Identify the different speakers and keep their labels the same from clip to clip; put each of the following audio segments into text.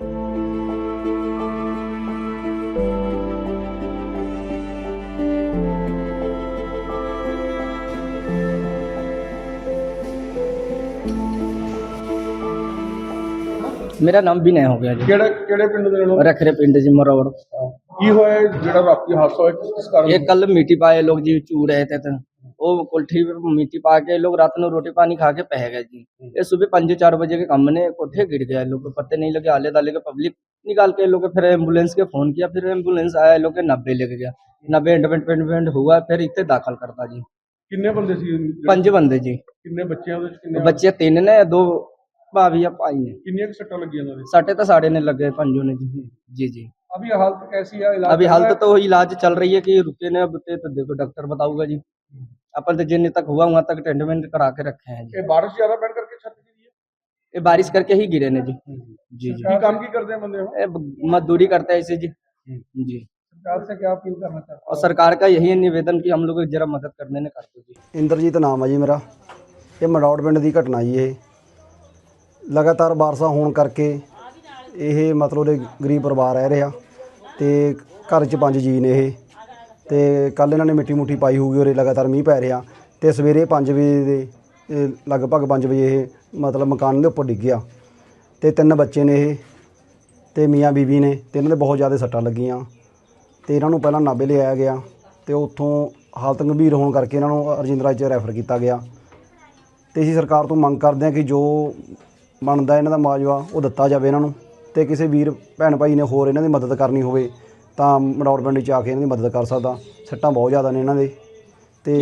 Speaker 1: मेरा नाम विनय हो गया जी।
Speaker 2: ਕਿਹੜੇ ਪਿੰਡ ਦੇ ਲੋਕ
Speaker 1: रखरे पिंड जी मरोड़।
Speaker 2: ਕੀ ਹੋਇਆ ਜਿਹੜਾ ਰਾਤੀ ਹਾਦਸਾ ਹੋਇਆ ਕਿਸ ਕਾਰਨ
Speaker 1: ये कल मिट्टी पाए लोग जी चू रहे थे तो वो कोठी पे मिट्टी पा के लोग रात में रोटी पानी खा के पह गए जी। ये सुबह 5-4 बजे के काम ने कोठे गिर गया, लोग को पत्ते नहीं लगे, आले दाले के पब्लिक निकाल के लोग फिर एम्बुलेंस के फोन किया, फिर एम्बुलेंस आया, लोग के 90 लेके गया, 90 एडमिट हुआ, फिर इतने दाखिल करता जी।
Speaker 2: ਕਿੰਨੇ ਬੰਦੇ ਸੀ
Speaker 1: 5 बंदे जी।
Speaker 2: ਕਿੰਨੇ ਬੱਚਿਆਂ ਦੇ ਕਿੰਨੇ
Speaker 1: बच्चे 3 ने, 2 भाभी या भाई ने।
Speaker 2: ਕਿੰਨੀਆਂ ਕੁ ਸੱਟਾਂ ਲੱਗੀਆਂ ਉਹਨਾਂ ਦੇ
Speaker 1: साढ़े तो साढ़े ने लगे 5 ने जी। जी जी
Speaker 2: अभी हालत कैसी है इलाज
Speaker 1: अभी
Speaker 2: चल
Speaker 1: हालत
Speaker 2: रहा है?
Speaker 1: तो इलाज चल रही है कि रुके ने, अब तो देखो डॉक्टर बताऊंगा जी। अपन तो जिन तक हुआ वहां तक ट्रीटमेंट करा के रखे हैं जी।
Speaker 2: ये बारिश ज्यादा बढ़ करके छत गिरी है।
Speaker 1: ये बारिश करके ही गिरे ने जी। जी जी
Speaker 2: की काम की करते हैं बंदे हो?
Speaker 1: ये मजदूरी करते हैं इसे जी। जी
Speaker 2: सरकार से क्या अपील करना चाहते
Speaker 1: और सरकार का यही निवेदन कि हम लोग जरा मदद करने ने कर दो जी।
Speaker 3: ਇੰਦਰਜੀਤ ਨਾਮ ਹੈ ਜੀ ਮੇਰਾ। ਇਹ ਮੜੌੜ ਪਿੰਡ ਦੀ ਘਟਨਾ ਜੀ। ਇਹ ਲਗਾਤਾਰ ਬਾਰਿਸ਼ਾਂ ਹੋਣ ਕਰਕੇ ਇਹ ਮਤਲਬ ਦੇ ਗਰੀਬ ਪਰਿਵਾਰ ਰਹਿ ਰਿਹਾ ਤੇ ਘਰ 'ਚ 5 ਜੀ ਨੇ ਇਹ ਤੇ ਕੱਲ ਇਹਨਾਂ ਨੇ ਮਿੱਟੀ ਮੁੱਠੀ ਪਾਈ ਹੋਊਗੀ ਔਰ ਲਗਾਤਾਰ ਮੀਂਹ ਪੈ ਰਿਹਾ ਤੇ ਸਵੇਰੇ 5 ਵਜੇ ਦੇ ਲਗਭਗ 5 ਵਜੇ ਇਹ ਮਤਲਬ ਮਕਾਨ ਦੇ ਉੱਪਰ ਡਿੱਗ ਗਿਆ ਤੇ 3 ਬੱਚੇ ਨੇ ਇਹ ਤੇ ਮੀਆਂ ਬੀਬੀ ਨੇ ਤੇ ਇਹਨਾਂ ਦੇ ਬਹੁਤ ਜ਼ਿਆਦਾ ਸੱਟਾਂ ਲੱਗੀਆਂ ਤੇ ਇਹਨਾਂ ਨੂੰ ਪਹਿਲਾਂ ਨਾਭੇ ਲਿਆਇਆ ਗਿਆ ਤੇ ਉੱਥੋਂ ਹਾਲਤ ਗੰਭੀਰ ਹੋਣ ਕਰਕੇ ਇਹਨਾਂ ਨੂੰ ਰਜਿੰਦਰਾ 'ਚ ਰੈਫਰ ਕੀਤਾ ਗਿਆ ਤੇ ਅਸੀਂ ਸਰਕਾਰ ਤੋਂ ਮੰਗ ਕਰਦੇ ਹਾਂ ਕਿ ਜੋ ਬਣਦਾ ਇਹਨਾਂ ਦਾ ਮੁਆਵਜ਼ਾ ਉਹ ਦਿੱਤਾ ਜਾਵੇ ਇਹਨਾਂ ਨੂੰ ਤੇ ਕਿਸੇ ਵੀਰ ਭੈਣ ਭਾਈ ਨੇ ਹੋਰ ਇਹਨਾਂ ਦੀ ਮਦਦ ਕਰਨੀ ਹੋਵੇ ਤਾਂ ਮੜੌੜ ਪਿੰਡ 'ਚ ਆ ਕੇ ਇਹਨਾਂ ਦੀ ਮਦਦ ਕਰ ਸਕਦਾ। ਸੱਟਾਂ ਬਹੁਤ ਜ਼ਿਆਦਾ ਨੇ ਇਹਨਾਂ ਦੇ ਤੇ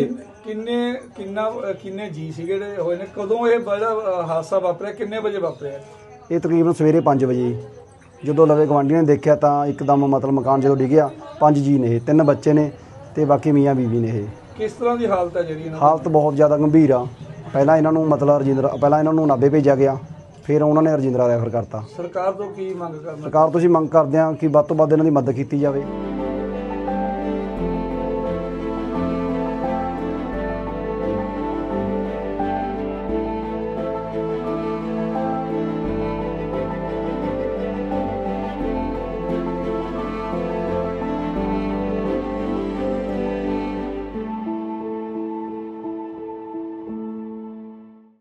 Speaker 2: ਕਿੰਨੇ ਜੀ ਸੀਗੇ ਜਿਹੜੇ ਹੋਏ ਨੇ? ਕਦੋਂ ਇਹ ਬੜਾ ਹਾਦਸਾ ਵਾਪਰਿਆ? ਕਿੰਨੇ ਵਜੇ ਵਾਪਰਿਆ?
Speaker 3: ਇਹ ਤਕਰੀਬਨ ਸਵੇਰੇ 5 ਵਜੇ ਜਦੋਂ ਲਵੇ ਗਵਾਂਢੀਆਂ ਨੇ ਦੇਖਿਆ ਤਾਂ ਇੱਕਦਮ ਮਤਲਬ ਮਕਾਨ ਜਦੋਂ ਡਿੱਗਿਆ 5 ਜੀ ਨੇ, 3 ਬੱਚੇ ਨੇ ਤੇ ਬਾਕੀ ਮੀਆਂ ਬੀਬੀ ਨੇ। ਇਹ
Speaker 2: ਕਿਸ ਤਰ੍ਹਾਂ ਦੀ ਹਾਲਤ ਹੈ ਜਿਹੜੀ
Speaker 3: ਹਾਲਤ ਬਹੁਤ ਜ਼ਿਆਦਾ ਗੰਭੀਰ ਆ। ਪਹਿਲਾਂ ਇਹਨਾਂ ਨੂੰ ਮਤਲਬ ਪਹਿਲਾਂ ਇਹਨਾਂ ਨੂੰ ਨਾਭੇ ਭੇਜਿਆ ਗਿਆ, ਫਿਰ ਉਹਨਾਂ ਨੇ ਰਜਿੰਦਰਾ ਰੈਫਰ ਕਰਤਾ।
Speaker 2: ਸਰਕਾਰ ਤੋਂ ਕੀ ਮੰਗ ਕਰਨਾ?
Speaker 3: ਸਰਕਾਰ ਤੋਂ ਅਸੀਂ ਮੰਗ ਕਰਦੇ ਹਾਂ ਕਿ ਵੱਧ ਤੋਂ ਵੱਧ ਇਹਨਾਂ ਦੀ ਮਦਦ ਕੀਤੀ ਜਾਵੇ।